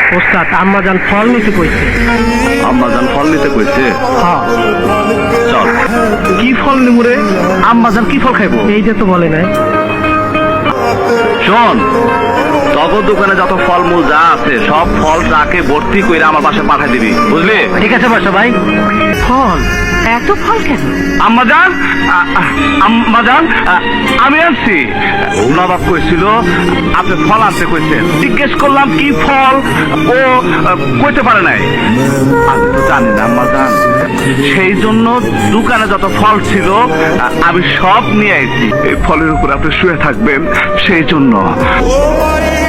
ওস্তাদ আম্মাজান ফল নিতে কইছে। আম্মাজান ফল নিতে কইছে? হ্যাঁ। চল। কি ফল নিবো রে? আম্মাজান কি ফল খাইবো? এইটা তো বলে নাই। শোন, তগর দোকানে যত ফলমূল যা আছে সব ফল ট্রাকে ভর্তি করে আমার বাসায় পাঠিয়ে দিবি, বুঝলি? ঠিক আছে বাসা ভাই। ফল? এত ফল কেন? আম্মাজান, আম্মাজান, আমি আনছি। নবাব কইছিল আপনি ফল আনতে কইছেন, জিজ্ঞেস করলাম কি ফল, ও কইতে পারে নাই। আমি তো জানি না আম্মাজান, সেই জন্য দোকানে যত ফল ছিল আমি সব নিয়ে আইছি। এই ফলের উপর আপনি শুয়ে থাকবেন সেই জন্য।